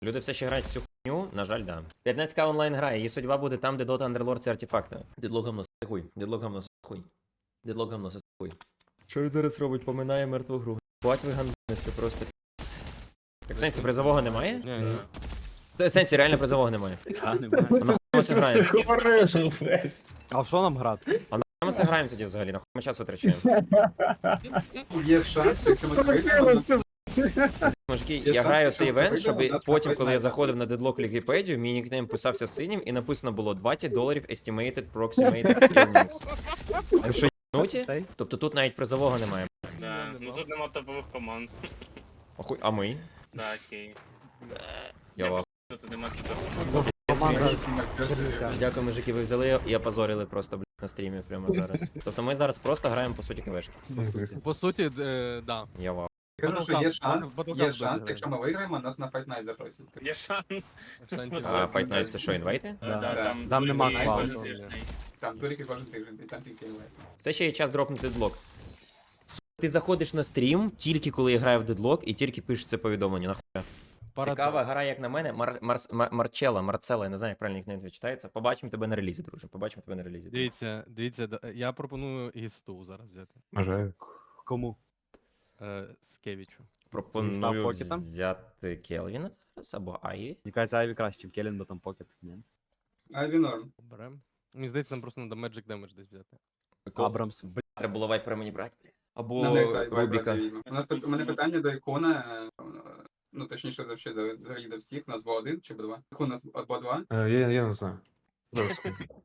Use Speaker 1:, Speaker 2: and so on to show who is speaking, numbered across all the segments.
Speaker 1: Люди все ще грають в цю хуйню, на жаль, да. 15к онлайн грає, її судьба буде там, де Dota Underlord це артефакти. Дедлог гамно хуй, дедлог гамно хуй. Дедлог гамно хуй. Що він зараз робить? Поминає мертву гру. Бать ви гандони, це просто пі***ць. Так сенсі призового немає?
Speaker 2: Ні.
Speaker 1: Сенсі реально призового немає.
Speaker 2: Та, немає.
Speaker 1: А нахуй ми це граємо?
Speaker 3: А в що нам грати?
Speaker 1: А нахуй ми це граємо тоді взагалі? Нахуй ми час витрачаємо?
Speaker 4: Є шанс, якщо ми виграємо,
Speaker 1: Мужики,
Speaker 4: Я
Speaker 1: я
Speaker 4: сам
Speaker 1: граю
Speaker 4: пішов
Speaker 1: цей івент,
Speaker 4: це
Speaker 1: щоб
Speaker 4: виграв, у нас
Speaker 1: потім,
Speaker 4: проходить
Speaker 1: коли я
Speaker 4: найза.
Speaker 1: заходив на Deadlock Лігіпедію, мій нікнейм писався синім і написано було $20 estimated approximated earnings. Ви що, єбнуті?
Speaker 3: Цей?
Speaker 1: Тобто тут навіть призового немає.
Speaker 2: Да. Ну тут нема топових команд.
Speaker 1: Охуй, а ми?
Speaker 2: Да, окей.
Speaker 1: Я вас.
Speaker 2: Тут нема топових.
Speaker 3: Команда
Speaker 4: скажи.
Speaker 3: Чернівця.
Speaker 1: Дякую, мужики, ви взяли і опозорили просто, блядь, на стрімі прямо зараз. Тобто ми зараз просто граємо, по суті, квешки.
Speaker 5: По суті, да.
Speaker 1: Я вау.
Speaker 4: Кажу, що є шанс,
Speaker 5: Battlefield
Speaker 4: є
Speaker 5: буде
Speaker 4: шанс,
Speaker 5: грати.
Speaker 4: якщо ми виграємо, нас на Fight Night запросять.
Speaker 2: Є шанс.
Speaker 5: Шансів.
Speaker 1: А Fight Night це що, інвайти?
Speaker 3: Да.
Speaker 4: Да.
Speaker 3: Там нема
Speaker 2: кожен
Speaker 3: квалту.
Speaker 2: тиждень.
Speaker 4: Там турики кожен тиждень, і там тільки інвайт.
Speaker 1: Все ще є час дропнути дедлок. Ти заходиш на стрім тільки коли я граю в дедлок і тільки пишеш це повідомлення. Нахуя? Цікава гра, як на мене. Марцела, я не знаю, як правильно нікнейм читається. Побачимо тебе на релізі, друже. Побачимо тебе на релізі.
Speaker 5: Дивіться, я пропоную гісту зараз взяти.
Speaker 6: Бажаю.
Speaker 3: Кому?
Speaker 5: Скевічу.
Speaker 1: Пропоную
Speaker 3: Став покетом?
Speaker 1: взяти Келвіна зараз або Аї.
Speaker 3: Мені кажеться, Айві краще, ніж Келін, бо там покет. Ні.
Speaker 4: Айві норм.
Speaker 5: Берем. Мені здається, нам просто треба Magic Damage десь взяти.
Speaker 3: Абрамс.
Speaker 1: Бля, треба було вайпера мені брати. Або
Speaker 4: На next Fight
Speaker 1: Рубіка.
Speaker 4: брати відьму. У мене питання до ікона, ну точніше, взагалі до всіх, у нас бо один чи бо два? Ікон у нас бо два.
Speaker 6: Я не знаю. Зараз.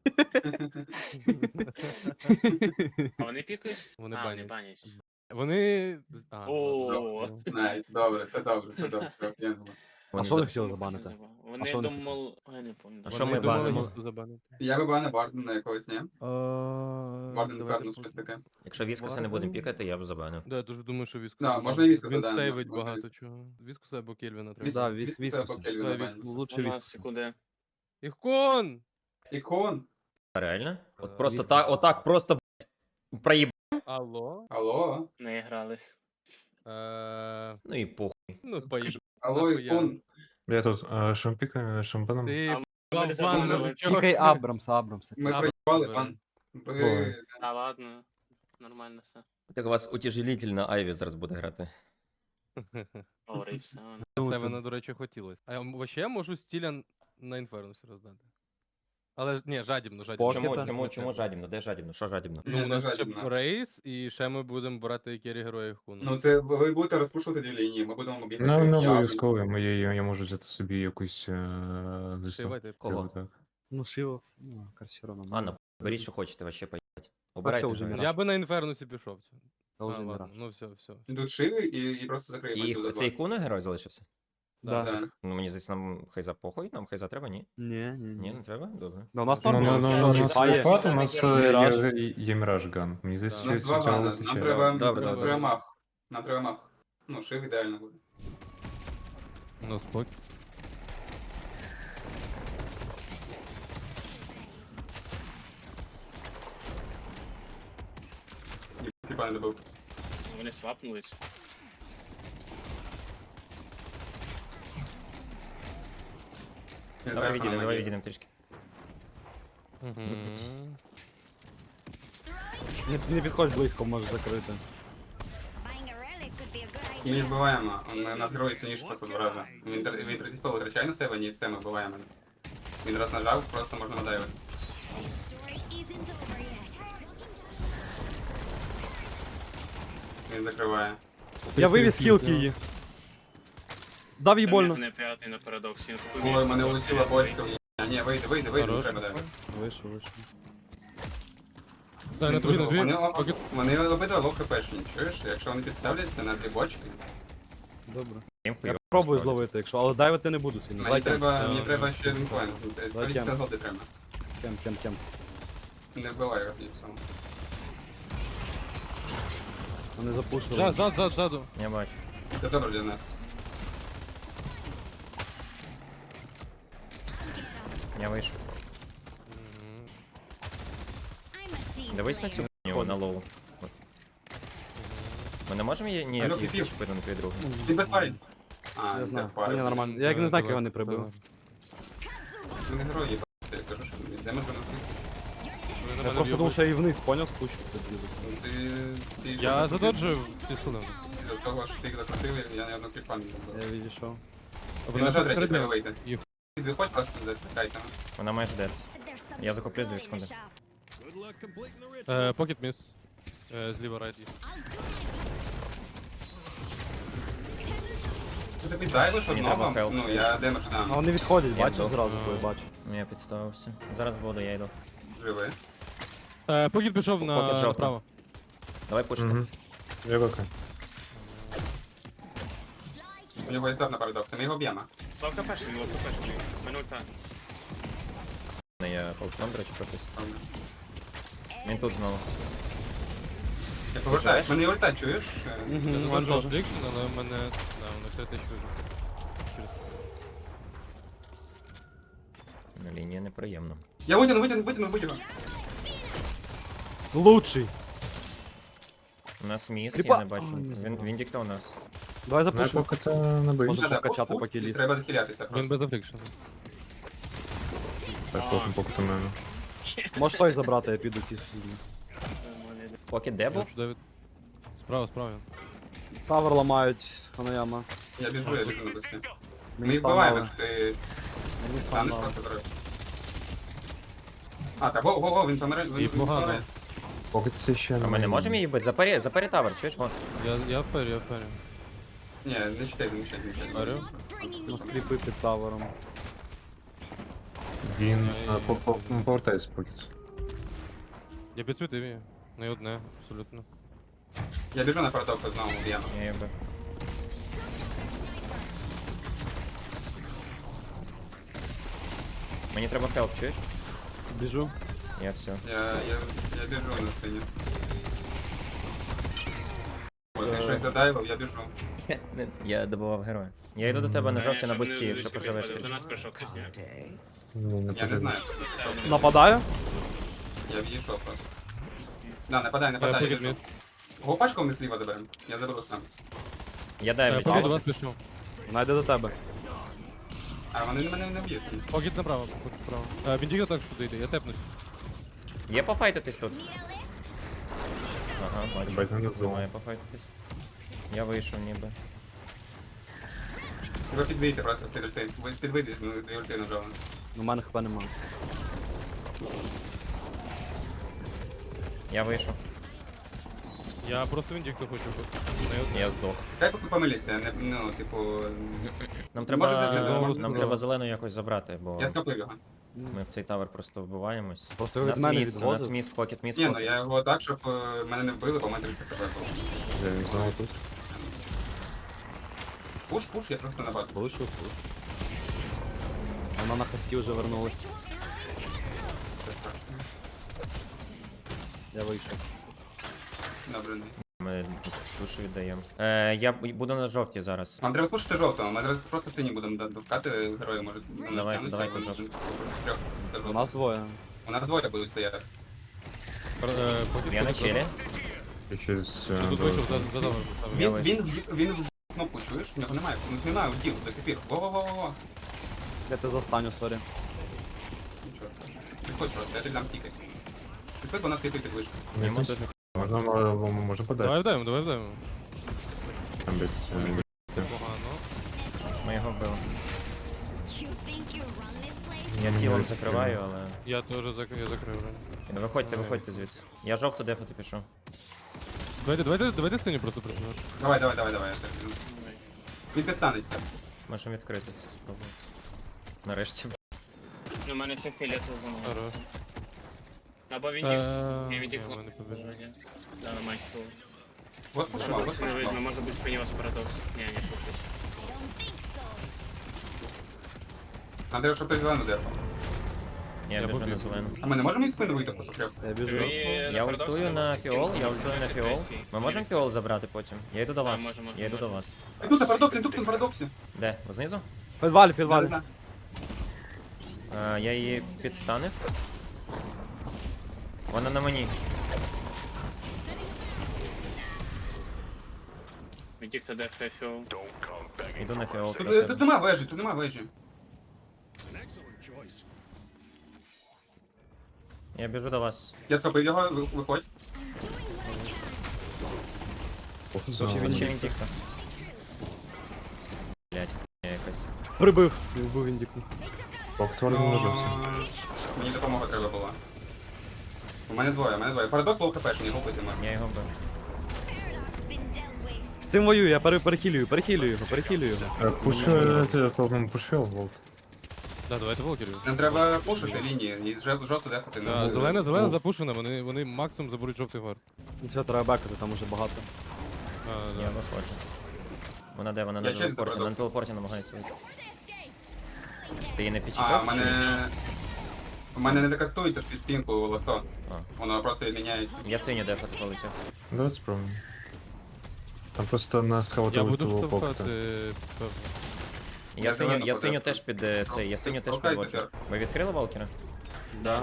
Speaker 2: А вони пікають?
Speaker 5: Вони
Speaker 2: А, вони
Speaker 5: банять.
Speaker 2: банять.
Speaker 5: Вони.
Speaker 2: О.
Speaker 4: Найс, добре, це добре, це добре. Я думаю.
Speaker 3: А
Speaker 1: Вони
Speaker 3: що ви
Speaker 1: за-
Speaker 3: хотіли забанити?
Speaker 2: Вони
Speaker 3: що вони
Speaker 2: думали... Я не пам'ятаю.
Speaker 1: А що ми
Speaker 5: думали
Speaker 1: банимо?
Speaker 5: гісту забанити.
Speaker 4: Я би на Бардена якогось, ні? Барден
Speaker 5: Давайте
Speaker 4: Фернус, щось таке.
Speaker 1: Якщо Віскаса не будемо пікати, я б забанив.
Speaker 5: Да, я дуже думаю, що Віскус.
Speaker 4: Да, можна і Віскуса,
Speaker 5: Він
Speaker 4: да,
Speaker 5: сейвить
Speaker 4: можна
Speaker 5: багато
Speaker 4: Віскуса.
Speaker 5: чого. Віскуса або Кельвіна треба.
Speaker 4: Віс-
Speaker 3: Да,
Speaker 4: Віскуса
Speaker 3: Віскус.
Speaker 4: або Кельвіна
Speaker 5: Да,
Speaker 4: банять.
Speaker 3: Лучше
Speaker 2: У нас
Speaker 3: Віскус.
Speaker 2: куди?
Speaker 5: Ікон!
Speaker 4: Ікон?
Speaker 1: А реально?
Speaker 5: Е,
Speaker 1: От просто
Speaker 3: Віскас.
Speaker 1: так, отак просто блядь, проїб.
Speaker 5: Алло?
Speaker 4: Алло?
Speaker 2: Не грались.
Speaker 1: Ну і похуй.
Speaker 5: Ну, поїж.
Speaker 4: Алло,
Speaker 5: Нахуя?
Speaker 4: ікон?
Speaker 6: Я тут шампаном.
Speaker 5: Ти
Speaker 2: А ми
Speaker 5: бабан,
Speaker 2: забули.
Speaker 5: чого?
Speaker 3: Пікай Абрамса.
Speaker 4: Ми
Speaker 5: А,
Speaker 4: проїбали,
Speaker 5: добре.
Speaker 4: пан.
Speaker 6: Ой.
Speaker 4: Ви...
Speaker 2: А, ладно. Нормально все.
Speaker 1: Так у вас утяжелительна Айві зараз буде грати.
Speaker 2: Говори і все.
Speaker 5: Це мене, до речі, хотілося. А вообще я можу стіля на інфернусі роздати. Але ж ні, жадібно.
Speaker 3: Покета?
Speaker 1: Чому жадібно? Де жадібно? Що жадібно?
Speaker 5: Ну, у
Speaker 4: Не
Speaker 5: нас ще
Speaker 4: жадібно.
Speaker 5: рейс, і ще ми будемо брати кері героїв хуну.
Speaker 4: Ну це ви будете розпушувати дві лінії, ми будемо бігати.
Speaker 6: Ну, не
Speaker 4: я-
Speaker 6: обов'язково, я можу взяти собі якусь листок.
Speaker 5: Шивайте.
Speaker 1: Кого?
Speaker 6: Так.
Speaker 3: Ну, Шиво, ну, Карсерона.
Speaker 1: Анна, беріть, що хочете, вообще поїбать.
Speaker 3: все
Speaker 1: Обирайте.
Speaker 3: вже
Speaker 1: героя.
Speaker 3: Міраж.
Speaker 5: Я би на інфернусі пішов.
Speaker 3: Та
Speaker 5: А,
Speaker 3: вже не
Speaker 5: ладно,
Speaker 3: рад.
Speaker 5: ну все.
Speaker 4: Йдуть шиви і просто закриємо.
Speaker 1: І
Speaker 4: цю
Speaker 1: цей
Speaker 4: два.
Speaker 1: куна герой залишився?
Speaker 3: Да.
Speaker 4: Да.
Speaker 1: Ну мені здається, нам хайза похуй, нам хайза треба, ні?
Speaker 3: Ні,
Speaker 1: Ні, не треба? Добре.
Speaker 3: Ну, у нас
Speaker 6: Ну,
Speaker 3: нормально.
Speaker 6: у
Speaker 3: Що,
Speaker 6: нас
Speaker 3: Фає?
Speaker 6: фат, у нас
Speaker 3: Міраж.
Speaker 6: є Міраж Ган. Мені здається,
Speaker 4: У нас
Speaker 6: що
Speaker 4: два
Speaker 6: цього
Speaker 4: вана,
Speaker 6: вистачає.
Speaker 4: нам треба
Speaker 1: Добре,
Speaker 4: нам
Speaker 1: добре.
Speaker 4: треба мах. Нам треба мах. Ну, шив ідеально буде.
Speaker 5: Ну, спок.
Speaker 4: Хіба не добив.
Speaker 2: Вони свапнулись.
Speaker 4: Не
Speaker 1: Давай
Speaker 4: знаю,
Speaker 1: відійдемо,
Speaker 4: що
Speaker 1: давай
Speaker 4: нам
Speaker 1: відійдемо трішки.
Speaker 3: Не підходь близько, можеш закрити.
Speaker 4: Ми не вбиваємо, у нас герой сильніше просто два рази. Він 30 пол витрачає на себе, ні, все, ми вбиваємо. Він раз нажав, просто можна надавити. Він закриває.
Speaker 3: Я вивіз хілки її. Дав їй больно.
Speaker 2: Не п'ятий на парадоксі.
Speaker 4: Ой, мене улетіла бочка. Ні, вийди, не
Speaker 5: Хорош.
Speaker 4: треба давити.
Speaker 3: Вийшов.
Speaker 5: Дай на тобі, на тобі. Покет.
Speaker 4: Вони обидва лоу хпшні, чуєш? Якщо вони підставляться на дві бочки,
Speaker 3: Добре.
Speaker 1: Їм
Speaker 3: Я
Speaker 1: хуйово,
Speaker 3: пробую
Speaker 1: насправді.
Speaker 3: зловити, якщо, але дайвити не буду сильно.
Speaker 4: мені треба ще один коін. 150 голди треба.
Speaker 3: Кем.
Speaker 4: Не вбивай його тоді саме.
Speaker 3: Вони запушили.
Speaker 5: Ззаду.
Speaker 1: Я бачу.
Speaker 4: Це добре для нас.
Speaker 1: Я вийшов. Дивись на цю хуйню, на лоу. От. Ми не можемо її ніяк
Speaker 4: Алло,
Speaker 1: їх
Speaker 4: піпів.
Speaker 1: чіпити на твій другий?
Speaker 4: Ти без парень. А,
Speaker 3: Я знаю.
Speaker 4: пари.
Speaker 3: Ні, нормально. Я як не знаю, як його не прибив.
Speaker 4: Він герой є, я кажу, що де ми принесли.
Speaker 3: Я просто думав, що я і вниз, поняв, спущу.
Speaker 4: Ти
Speaker 5: Я задоджив ці сили.
Speaker 4: До того, що ти їх закрутив, я ні одного кріпа не зробив.
Speaker 3: Я відійшов.
Speaker 4: Він на третій треба
Speaker 5: Вона
Speaker 4: вийти.
Speaker 5: Їх.
Speaker 4: Ти виходь просто зачекайте.
Speaker 1: Вона майже дед. Я захоплю 2 секунди.
Speaker 5: Покет міс. Зліва райд є.
Speaker 4: Ти піддайвиш
Speaker 1: Мені треба
Speaker 4: одного,
Speaker 1: хелп.
Speaker 4: ну я демедж
Speaker 3: А
Speaker 4: дам.
Speaker 3: вони відходять,
Speaker 1: Я
Speaker 3: бачиш
Speaker 1: здох.
Speaker 3: зразу, коли бачу.
Speaker 1: Ну, я підставився. Зараз буду, я йду.
Speaker 4: Живи.
Speaker 5: Покет пішов
Speaker 1: Покет
Speaker 5: на
Speaker 1: жовта.
Speaker 5: направо.
Speaker 1: Давай пушити.
Speaker 6: Угу. Я ВК.
Speaker 4: У нього є зад на парадокс, ми його б'ємо.
Speaker 2: Лов КПшний, лов КПшний. Мене ульта.
Speaker 1: Я полкном, до речі, пропис. Він тут знову.
Speaker 4: Я повертаюсь, мене є ульта, чуєш?
Speaker 5: Я
Speaker 3: Мгм,
Speaker 5: заводжу
Speaker 3: теж.
Speaker 5: Affliction, але в мене... Да, воно критично вижив. Через...
Speaker 1: На лінії неприємно.
Speaker 4: Я витягну.
Speaker 3: Лучший.
Speaker 1: У нас міс,
Speaker 3: Кріпа.
Speaker 1: я не бачу.
Speaker 3: Ой, не
Speaker 1: Він,
Speaker 3: забрав.
Speaker 1: він дікта у нас.
Speaker 3: Давай
Speaker 6: Я
Speaker 3: запушимо.
Speaker 6: поки то набив.
Speaker 3: Може,
Speaker 4: Надо,
Speaker 3: покачати,
Speaker 4: пуш,
Speaker 3: поки
Speaker 4: пуш,
Speaker 3: ліс.
Speaker 4: Треба захилятися
Speaker 5: Він
Speaker 4: просто.
Speaker 5: без Affliction.
Speaker 6: Так, поки у мене.
Speaker 3: Можеш той забрати, я піду ці сюди.
Speaker 1: Поки де був?
Speaker 5: Давид. Справа, справа. він.
Speaker 3: Тавер ламають, Ханаяма.
Speaker 4: Я біжу на бусті. Ми
Speaker 3: Мені
Speaker 4: їх
Speaker 3: стан
Speaker 4: вбиваємо,
Speaker 3: дали.
Speaker 4: якщо ти
Speaker 3: Мені стан
Speaker 4: станеш
Speaker 3: дали.
Speaker 4: просто дорогу. А, так, го, він помирає,
Speaker 5: І
Speaker 4: він
Speaker 5: погано.
Speaker 4: помирає.
Speaker 6: Поки це ще
Speaker 1: А ми не можемо її бити? Запарі тавер, чуєш? Вон.
Speaker 5: Я вперю, я вперю.
Speaker 4: Ні, не читай, не читай.
Speaker 5: Вперю.
Speaker 3: У нас кліпи під тавером.
Speaker 6: Він повертається поки.
Speaker 5: Я підсвітив її. Не одне, абсолютно.
Speaker 4: Я біжу на парадокс знову, б'ємо.
Speaker 1: Я її бив. Мені треба хелп, чуєш?
Speaker 3: Біжу.
Speaker 1: Я все.
Speaker 4: Я біжу на свині. Ой, ти щось задайвив, я біжу.
Speaker 1: Я добував героя. Я йду до тебе на жовті на бусті, якщо поживеш.
Speaker 2: До нас прийшов хтось. ні.
Speaker 4: Я не знаю.
Speaker 3: Нападаю?
Speaker 4: Я відійшов просто. Да, нападай, я
Speaker 5: Покет
Speaker 4: біжу.
Speaker 5: мід.
Speaker 4: Гопашку ми зліва заберемо. Я заберу сам.
Speaker 1: Я даю
Speaker 5: Покет до
Speaker 1: відчув.
Speaker 5: вас пішов.
Speaker 3: Вона йде до тебе.
Speaker 4: А вони мене не б'ють.
Speaker 5: Покет направо, покет направо. Він тільки так сюди йде, я тепнусь.
Speaker 1: Є пофайтитись тут? Ага, бачу.
Speaker 6: Бать, не добив.
Speaker 1: Має пофайтитись. Я вийшов ніби.
Speaker 4: Ви підвійте просто з-під ульти. Ви з-під вийдіть, ну, дві ульти нажали.
Speaker 3: У мене хп немає.
Speaker 1: Я вийшов.
Speaker 5: Я просто він тільки хочу бути. Не одне.
Speaker 1: Я здох.
Speaker 4: Хай поки помиліться, не, ну, типу...
Speaker 1: Нам
Speaker 4: Можете
Speaker 1: треба,
Speaker 4: зайти,
Speaker 1: нам
Speaker 5: можете.
Speaker 1: треба зелену якось забрати, бо
Speaker 4: Я скопив його.
Speaker 1: ми в цей тавер просто вбиваємось.
Speaker 3: Просто
Speaker 1: У
Speaker 3: від
Speaker 1: нас
Speaker 3: мене
Speaker 1: міс, у нас
Speaker 3: відводить.
Speaker 1: міс, покет, міс,
Speaker 4: Ні, ну
Speaker 1: покет.
Speaker 4: я його так, щоб мене не вбили, бо в мене 300 хп було.
Speaker 6: Я знову тут.
Speaker 4: Пуш, я просто на базу.
Speaker 3: Пушу, пушу. Вона на хості вже вернулась.
Speaker 4: Це страшно.
Speaker 3: Я вийшов.
Speaker 4: Добре, не.
Speaker 1: Ми душу віддаємо. Я буду на жовті зараз.
Speaker 4: Вам треба слушати жовтого, ми зараз просто сині будемо довкати, герої можуть на нас
Speaker 1: Давай,
Speaker 4: тягнуться,
Speaker 1: давай,
Speaker 4: вони
Speaker 1: жовтий.
Speaker 4: просто трьох до
Speaker 3: У
Speaker 4: жовтого.
Speaker 3: нас двоє.
Speaker 4: У нас двоє будуть стояти.
Speaker 5: Покет
Speaker 1: Я на
Speaker 5: покет
Speaker 1: челі.
Speaker 6: Я щось...
Speaker 5: Я тут вийшов, за тавер.
Speaker 1: Я
Speaker 4: Він в кнопку, чуєш? У нього немає, у них немає удів до сих пір. Во-во-во-во.
Speaker 3: Я тебе застаню, сорі.
Speaker 4: Нічого. Підходь просто, я тобі дам стіки. Підходь, бо у нас сліпий під вишку.
Speaker 1: Йому тут
Speaker 6: Можна подати.
Speaker 5: Давай вдаємо, давай вдаємо.
Speaker 6: Там десь...
Speaker 5: Це погано.
Speaker 1: ми його вбили. Я тілом закриваю, але.
Speaker 5: Я теж я закрив вже.
Speaker 1: Виходьте звідси. Я жовто дефати пішов.
Speaker 5: Давайте синю просто працювати.
Speaker 4: Давай, я так біжу. Він підстанеться.
Speaker 1: Можемо відкрити це спробувати. Нарешті.
Speaker 2: Ну, в мене ще фіолетово воно.
Speaker 5: Хорош.
Speaker 2: Або він
Speaker 5: Е,
Speaker 2: їх. Я
Speaker 5: ні,
Speaker 2: відійшов.
Speaker 5: в мене побіжу.
Speaker 2: Да, на матчу.
Speaker 4: Вот пошла, вот
Speaker 2: Не видно,
Speaker 4: пошла.
Speaker 2: може бути спині вас парадокс. Ні, не пушить.
Speaker 4: Надо, щоб ти зелену дефав.
Speaker 1: Я біжу на
Speaker 5: побіг.
Speaker 1: зелену.
Speaker 4: А ми не можемо їх спину вийти просто трьох?
Speaker 3: Я біжу.
Speaker 1: Я ультую на фіол, я ультую на фіол. Ми можемо фіол забрати потім? Я йду до вас.
Speaker 2: можемо,
Speaker 1: Я йду до
Speaker 2: можемо.
Speaker 1: вас.
Speaker 4: Тут на парадоксі, тут на парадоксі.
Speaker 1: Де? Знизу?
Speaker 3: Підвалі, підвалі.
Speaker 4: Да-да-да.
Speaker 1: Я її підстанив. Вона на мені.
Speaker 2: Іди хто дефає фіол.
Speaker 1: Іду на фіол.
Speaker 4: Тут нема вежі, тут нема вежі.
Speaker 1: Я біжу до вас.
Speaker 4: Я схопив його, виходь.
Speaker 1: Чи він тікто? Блять, якось.
Speaker 3: Прибив. Вбив індіку.
Speaker 6: Повтор не нажився.
Speaker 4: Мені допомога треба була. У мене двоє. Парадокс лоу хп, мені губити можна.
Speaker 1: Я його бив.
Speaker 3: З цим воюю, я перехилюю його.
Speaker 6: Пушив, Волк.
Speaker 5: Да, давайте волкерів.
Speaker 4: Нам треба пушити лінії, і жовто дефати.
Speaker 5: Да, зелена запушена, вони максимум заберуть жовтий вар.
Speaker 3: Ну все, треба бекати, там уже багато.
Speaker 1: Я виходжу. Вона де? Вона
Speaker 4: Я
Speaker 1: на
Speaker 4: через
Speaker 1: телепорті.
Speaker 4: парадокс.
Speaker 1: На телепорті намагається вийти. Ти її не
Speaker 4: А,
Speaker 1: підчіпав?
Speaker 4: у мене не докастується з стінку лосо.
Speaker 1: А.
Speaker 4: Воно просто відміняється.
Speaker 1: Я синю дефати полетів.
Speaker 6: Давайте спробуємо. Там просто на
Speaker 5: Я
Speaker 6: схаватову
Speaker 5: буду
Speaker 6: того
Speaker 5: штовхати.
Speaker 6: покта.
Speaker 1: Я
Speaker 4: зелену
Speaker 1: синю
Speaker 4: подефаю.
Speaker 1: теж під цей, я синю теж
Speaker 4: Толкай
Speaker 1: підводжу.
Speaker 4: тепер.
Speaker 1: Ви відкрили Валкера?
Speaker 3: Да.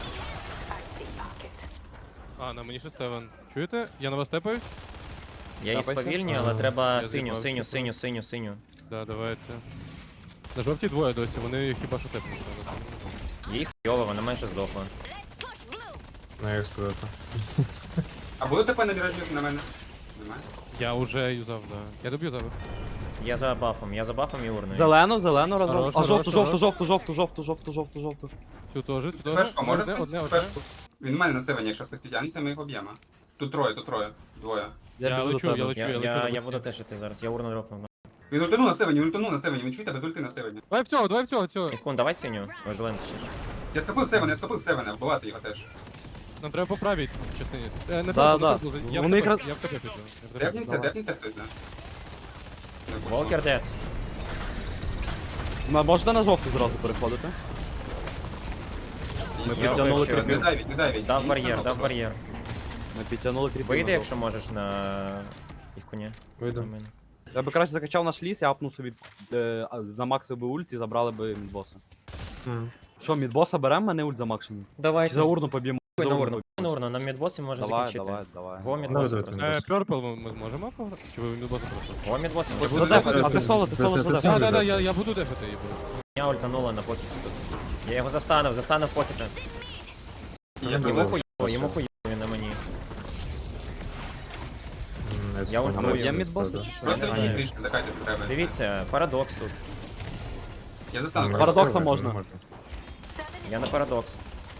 Speaker 5: А, на мені ще 7. Чуєте? Я на вас тепаюсь?
Speaker 1: Я її
Speaker 3: Тапайся.
Speaker 1: сповільнюю, але треба
Speaker 5: Я
Speaker 1: синю,
Speaker 5: з'їбав,
Speaker 1: синю,
Speaker 5: що
Speaker 1: синю, синю, синю.
Speaker 5: Да, давайте. На жовтій двоє досі, вони хіба що тепнуть.
Speaker 1: Їй хуйово, вона майже здохла.
Speaker 6: На як сказати.
Speaker 4: А буде ТП на міражі на мене? Немає.
Speaker 5: Я уже юзав, да. Я доб'ю зараз.
Speaker 1: Я за бафом і урною.
Speaker 3: Зелену разом.
Speaker 5: Хорош,
Speaker 3: А
Speaker 5: хорош,
Speaker 3: жовту.
Speaker 5: Цю теж, цю теж.
Speaker 4: Пешку, може
Speaker 5: Одне,
Speaker 4: хтось?
Speaker 5: одне.
Speaker 4: Пешку. Він в мене на севені, якщо хтось підтягнеться, ми їх об'ємо. Тут троє. Двоє.
Speaker 3: Я
Speaker 5: Я
Speaker 3: біжу до
Speaker 5: лечу, я
Speaker 3: тебе.
Speaker 5: лечу.
Speaker 1: Я буду теж іти зараз, я урну дропнув.
Speaker 4: Він ультанув на севені, він чуєте, без ульти на севені.
Speaker 5: Давай всього, цього.
Speaker 1: Ікун, давай синю. Ой, зеленку ще ж.
Speaker 4: Я схопив севена, вбивати його теж.
Speaker 5: Нам треба поправити в частині. Не
Speaker 3: Да,
Speaker 5: треба,
Speaker 3: да.
Speaker 5: я
Speaker 3: Вони
Speaker 5: в тебе
Speaker 3: якраз-
Speaker 5: я в тебе піду.
Speaker 4: Депніться хтось, да?
Speaker 1: Волкер дед.
Speaker 3: Можете на жовту зразу переходити?
Speaker 4: Ми
Speaker 3: підтягнули
Speaker 4: Не
Speaker 3: кріпів.
Speaker 4: давіть.
Speaker 1: Дав бар'єр.
Speaker 3: Ми підтягнули кріпи.
Speaker 1: Вийди,
Speaker 3: на
Speaker 1: якщо можеш на Ікуні.
Speaker 6: Вийду.
Speaker 1: На мене.
Speaker 3: жовту. Я би краще закачав наш ліс, я апнув собі замаксив би ульт і забрали би мідбоса. Що, мідбоса беремо, мене ульт замаксимум?
Speaker 1: Давай.
Speaker 3: Чи за урну поб'ємо?
Speaker 1: на
Speaker 3: За урну
Speaker 1: урну. На урну, на мідбосі можна
Speaker 3: Давай,
Speaker 1: закінчити.
Speaker 3: давай.
Speaker 1: Го мідбоси
Speaker 6: Давай,
Speaker 1: просто.
Speaker 6: давай.
Speaker 5: Пёрпл ми зможемо пограти? Чи ви мідбоса просто?
Speaker 1: Го мідбоси.
Speaker 4: Я буду
Speaker 3: Задефати,
Speaker 4: дефати.
Speaker 3: а ти соло, задефати.
Speaker 5: Да, я буду дефати її.
Speaker 1: Я ультанула на покеті тут. Я його застанив покета. Йому хуйово, він на мені. Я
Speaker 3: А ми
Speaker 1: ультую.
Speaker 3: б'ємо мідбоса? чи що?
Speaker 4: Просто
Speaker 1: Я
Speaker 4: йдіть
Speaker 1: знаю.
Speaker 4: трішки, закайте треба.
Speaker 1: Дивіться, парадокс тут.
Speaker 4: Я застану.
Speaker 3: Парадокса можна.
Speaker 1: Я на парадокс.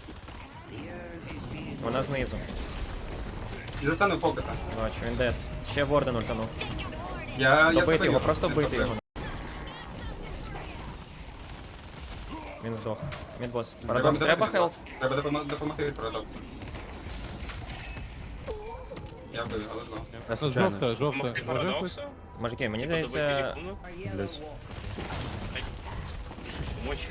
Speaker 1: Вона знизу.
Speaker 4: Я застану покета.
Speaker 1: Бачу, він дед. Ще Ворден ультанув.
Speaker 4: Я
Speaker 1: Добити його,
Speaker 4: схопив.
Speaker 1: просто
Speaker 4: Не
Speaker 1: бити
Speaker 4: схопив.
Speaker 1: його. Він здох. Мідбос.
Speaker 4: Треба
Speaker 1: Парадокс, треба хелп.
Speaker 4: Треба допомогти від парадоксу. Я вбив, але зло.
Speaker 3: Я случайно.
Speaker 5: Жовта.
Speaker 2: Помогти
Speaker 5: Може хтось?
Speaker 2: парадоксу?
Speaker 1: Мужики, мені
Speaker 2: Добити
Speaker 1: здається...
Speaker 2: ікону?
Speaker 6: Блять.
Speaker 2: Мочі.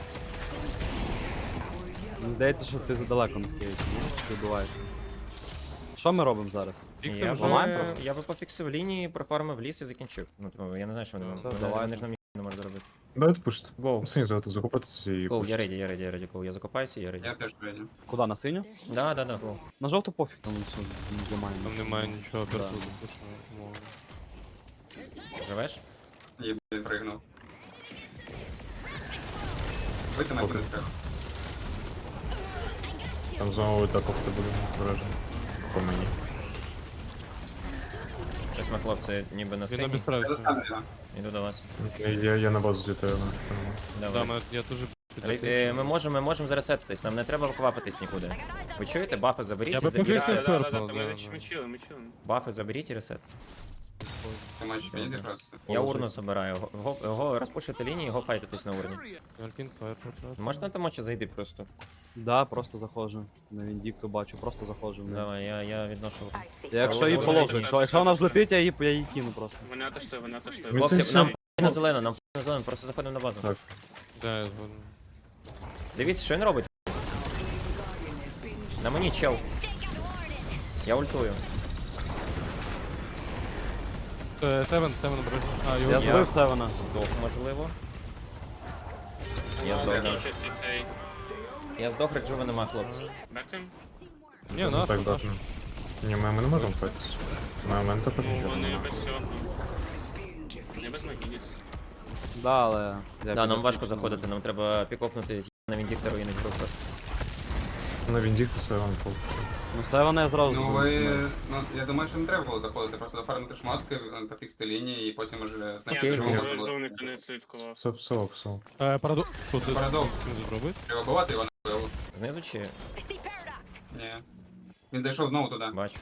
Speaker 3: Мені здається, що ти задалеко не скиєш, ні? Ти вбиваєш. Що ми робимо зараз?
Speaker 5: Фіксим
Speaker 1: Я
Speaker 5: вже.
Speaker 3: ламаємо
Speaker 1: би,
Speaker 3: просто?
Speaker 1: я би пофіксив лінії, профармив ліс і закінчив. Ну, типу, я не знаю, що вони
Speaker 3: Все,
Speaker 1: вони-
Speaker 3: давай.
Speaker 1: вони ж нам ніхто не можуть зробити.
Speaker 6: Давайте пушити.
Speaker 1: Гоу.
Speaker 6: Синь звати, закупатися і
Speaker 1: Гоу, я
Speaker 6: пушити.
Speaker 1: реді, гоу. Я закопаюся, я реді.
Speaker 4: Я теж прийняв.
Speaker 3: Куди, на синю?
Speaker 1: Да, гоу.
Speaker 3: На жовту пофіг, там все, не зламаємо.
Speaker 5: Там немає нічого
Speaker 3: Да.
Speaker 5: персуду.
Speaker 1: Живеш?
Speaker 4: Є, він пригнув. Вийти на кудись треба.
Speaker 6: Там знову так опити буде вражено. По мені.
Speaker 1: Щось ми, хлопці, ніби на
Speaker 5: Він
Speaker 1: сині.
Speaker 4: Я
Speaker 5: обістраюся.
Speaker 4: застану його.
Speaker 1: Іду до вас.
Speaker 6: Я на базу злітаю.
Speaker 5: Да,
Speaker 1: Давай.
Speaker 5: я теж
Speaker 1: Ми можемо заресетитись, нам не треба квапитись нікуди. Ви чуєте? Бафи заберіть
Speaker 5: Я
Speaker 1: і
Speaker 5: би
Speaker 1: заберіть
Speaker 5: пофіксив
Speaker 1: ресет.
Speaker 5: Purple,
Speaker 2: Ми
Speaker 5: да,
Speaker 2: чили, ми чили.
Speaker 1: Бафи заберіть і ресет.
Speaker 4: Ти можеш підійти просто.
Speaker 1: Я урну забираю. Го розпушити лінії, го файтитись на урні.
Speaker 5: Альпін фаєр.
Speaker 1: Можна там очі зайти просто?
Speaker 3: Да, просто заходжу. На Віндікту бачу, просто заходжу в неї.
Speaker 1: Давай, я відношу урну.
Speaker 3: Якщо її положу, якщо вона взлетить, я її кину просто.
Speaker 2: Вони отошли.
Speaker 6: Ми
Speaker 1: Хлопці,
Speaker 6: це
Speaker 1: нам
Speaker 6: все-
Speaker 1: на зелену, нам на зелену, просто заходимо на базу.
Speaker 6: Так.
Speaker 5: Да, я згоден.
Speaker 1: Дивіться, що він робить. На мені чел. Я ультую.
Speaker 5: Севен обережно. А, його
Speaker 3: Я
Speaker 5: є.
Speaker 3: збив Севена.
Speaker 1: Здох, можливо. Я здох, да.
Speaker 2: Закінчився цей.
Speaker 1: Я здох, реджува нема, хлопці.
Speaker 2: Бекаємо?
Speaker 5: Ні, наш,
Speaker 6: Так,
Speaker 5: наш.
Speaker 6: бачу. Ні, ми не можемо файтись. Ми мента
Speaker 2: Ну,
Speaker 6: потрібно.
Speaker 2: вони без цього. Не без Магініс.
Speaker 3: Да, але. я
Speaker 1: Да, нам
Speaker 3: піду.
Speaker 1: важко заходити, нам треба пікопнути на Віндіктору і не просто.
Speaker 6: На Віндіктуса вам пол.
Speaker 3: Ну все вони я зразу.
Speaker 4: Ну
Speaker 3: збив.
Speaker 4: ви. Ну, я думаю, що не треба було заходити, просто зафармити шмотки, пофіксити лінії і потім уже
Speaker 2: Я
Speaker 1: Окей,
Speaker 4: снайпер.
Speaker 1: окей.
Speaker 2: довника не слідкував.
Speaker 6: Псов.
Speaker 5: Парадокс. Що ти
Speaker 4: Парадокс.
Speaker 5: з цим зробити?
Speaker 4: Треба бувати його на пиво.
Speaker 1: Знизу чи
Speaker 4: Ні. Він дійшов знову туди.
Speaker 1: бачу.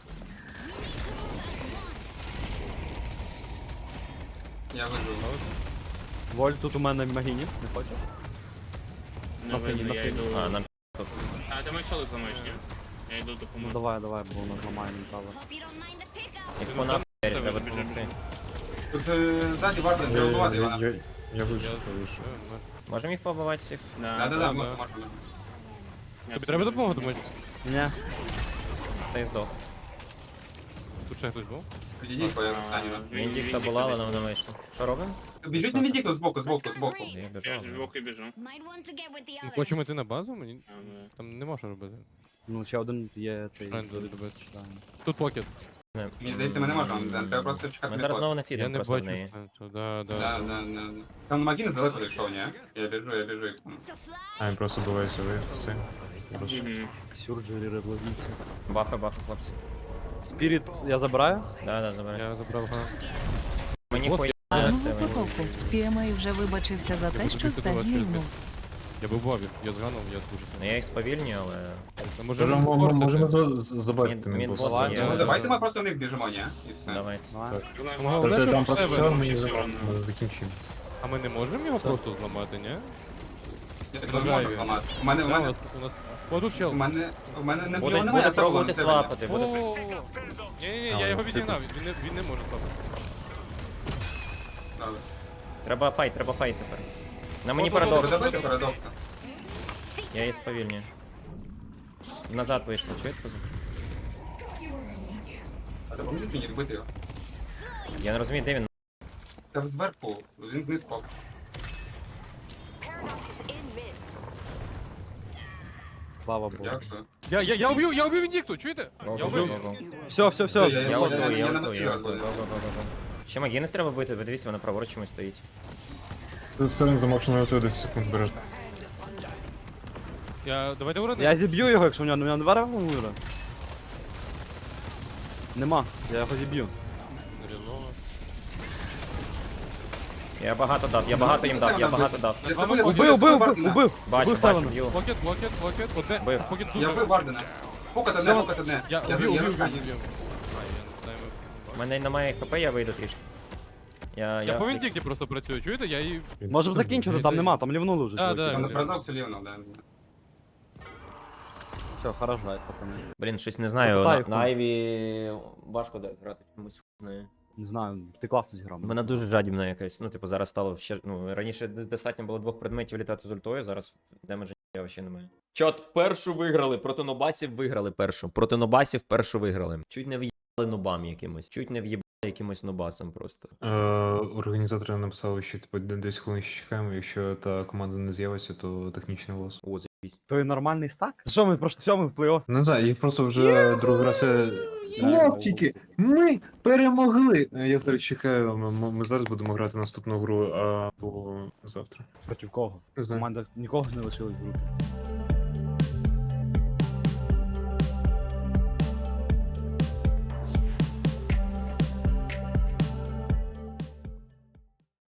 Speaker 4: Я вижив.
Speaker 3: Воль, тут у мене Магініс, не хочеш?
Speaker 2: Не
Speaker 3: На синій,
Speaker 2: видно,
Speaker 3: на
Speaker 2: я
Speaker 3: синій.
Speaker 2: йду.
Speaker 1: А, нам
Speaker 2: А, ти мечали зламаєш, ні? Я йду
Speaker 3: Ну
Speaker 2: допомогу.
Speaker 3: давай, бо у нас ламає ментала.
Speaker 1: їх по нахуй треба
Speaker 2: Біжи,
Speaker 1: допомогти.
Speaker 4: Тут ззаді варто треба бувати його.
Speaker 6: Я вижив.
Speaker 1: Можемо їх побивати всіх?
Speaker 4: Да-да-да, можна.
Speaker 5: Тобі треба допомога, думаєш?
Speaker 3: Ні.
Speaker 1: Та й здох.
Speaker 5: Тут ще хтось був?
Speaker 4: Підійдіть, бо я застаню.
Speaker 1: Віндікта була, але вона вийшла. Що робимо?
Speaker 4: Біжіть на віддіку збоку.
Speaker 1: Я біжу.
Speaker 2: Я звуки біжу.
Speaker 5: Ми хочемо йти на базу? Мені
Speaker 2: А, ну,
Speaker 5: там нема що робити.
Speaker 3: Ну ще один є цей.
Speaker 5: Правильно, робити.
Speaker 3: Читаємо.
Speaker 5: Тут покет.
Speaker 4: Мені здається, ми не можемо, треба просто чекати
Speaker 1: Ми
Speaker 4: на
Speaker 1: зараз
Speaker 4: пост.
Speaker 1: знову не
Speaker 5: Я
Speaker 1: фідемо
Speaker 5: не
Speaker 1: просто в
Speaker 5: бачу
Speaker 1: неї.
Speaker 5: сенсу. Да.
Speaker 4: Да. Там Магін далеко дійшов, ні? Я біжу.
Speaker 6: А, він просто буває ви. Все. Просто.
Speaker 2: Мгм.
Speaker 3: Сюрджері реблазівці.
Speaker 1: Бафи, хлопці.
Speaker 3: Спіріт я забираю.
Speaker 1: Да, забирай.
Speaker 5: Я забрав гана.
Speaker 1: Мені
Speaker 5: Бос,
Speaker 1: хуй.
Speaker 7: Гарного потоку. PMA вже вибачився за те, що стає йому.
Speaker 5: Я був бабі, я зганув, я дуже
Speaker 1: Ну я їх сповільнюю, але...
Speaker 5: А може
Speaker 6: Можемо забати
Speaker 1: Він
Speaker 6: мінбоса.
Speaker 1: босса є.
Speaker 4: Ну, давайте ми просто в них біжимо, ні? І все.
Speaker 1: Давайте.
Speaker 3: Давай.
Speaker 5: Головне,
Speaker 6: Там
Speaker 5: щоб
Speaker 6: просто
Speaker 5: в
Speaker 6: все,
Speaker 5: себе.
Speaker 6: ми
Speaker 2: все
Speaker 6: закінчимо.
Speaker 2: одно.
Speaker 6: Ми закінчимо.
Speaker 5: А ми не можемо його просто зламати, ні?
Speaker 4: Я так не можу зламати. У мене
Speaker 5: У нас... О, тут чел.
Speaker 4: не його немає
Speaker 1: Буде
Speaker 4: асапу на
Speaker 1: пробувати
Speaker 4: себе.
Speaker 1: свапати, буде...
Speaker 5: Ні, я його відігнав, він не може стати.
Speaker 4: Добре.
Speaker 1: Треба файт тепер. На мені
Speaker 5: О,
Speaker 1: парадокс.
Speaker 4: Добити парадокса.
Speaker 1: Я її сповільнюю. Назад вийшло, чуєте?
Speaker 4: А допоможіть мені вбити його.
Speaker 1: Я не розумію, де він.
Speaker 4: Та зверху, він знизу впав.
Speaker 3: Слава Богу.
Speaker 4: Дякую.
Speaker 5: Я убив Віндікту, чуєте? Я убив.
Speaker 3: Все.
Speaker 1: Я
Speaker 4: Я
Speaker 1: готую, я
Speaker 4: на
Speaker 1: готую,
Speaker 4: мості
Speaker 1: я
Speaker 4: розбив.
Speaker 1: готую. Ще Магінес треба бити, ви дивіться, вона праворуч чомусь стоїть.
Speaker 6: Сирен замовчено на 10 секунд береш.
Speaker 5: Давайте урони.
Speaker 3: Я зіб'ю його, якщо в нього не варив мура. Нема, я його зіб'ю.
Speaker 1: Я багато дав, я багато їм дав, я багато дав.
Speaker 4: Я забув,
Speaker 3: Убив!
Speaker 1: Бачу,
Speaker 3: Севена.
Speaker 1: бачу, б'ю.
Speaker 5: Покет, одне.
Speaker 1: Бив.
Speaker 5: Покет
Speaker 4: Я
Speaker 5: дуже.
Speaker 4: вбив Вардена. Покат одне.
Speaker 5: Я
Speaker 4: Я
Speaker 5: убив.
Speaker 4: застаню.
Speaker 1: У мене немає хп, я вийду трішки.
Speaker 5: Я по Віндікті просто працюю, чуєте? Я її...
Speaker 3: Можемо закінчити, там нема, там лівнули вже.
Speaker 5: Да,
Speaker 3: чуваки.
Speaker 5: да.
Speaker 4: На парадоксі лівно, да.
Speaker 3: Все, хорошо, пацани.
Speaker 1: Блін, щось не знаю,
Speaker 3: Запитай,
Speaker 1: на Айві важко грати чомусь хуйною.
Speaker 3: Не знаю, ти класно зіграв.
Speaker 1: Вона дуже жадібна якась. Ну, типу, зараз стало ще. Ну, раніше достатньо було 2 предметів літати з ультою, зараз демеджа я взагалі немає. Чот, першу виграли, проти нобасів виграли першу. Проти нобасів першу виграли. Чуть не в'їбали нобам якимось. Чуть не в'їбали якимось нобасом просто.
Speaker 6: Організатори написали, що типу 10 хвилин ще чекаємо, якщо та команда не з'явиться, то технічний лос.
Speaker 1: О, заєбісь.
Speaker 3: То і нормальний стак? Що ми просто все, ми в плей-офф.
Speaker 6: Не знаю, їх просто вже другий раз. Хлопчики, ми перемогли! Я зараз чекаю, ми зараз будемо грати наступну гру або завтра.
Speaker 3: Проти кого?
Speaker 6: Не знаю.
Speaker 3: Команда нікого не лишилась в групі.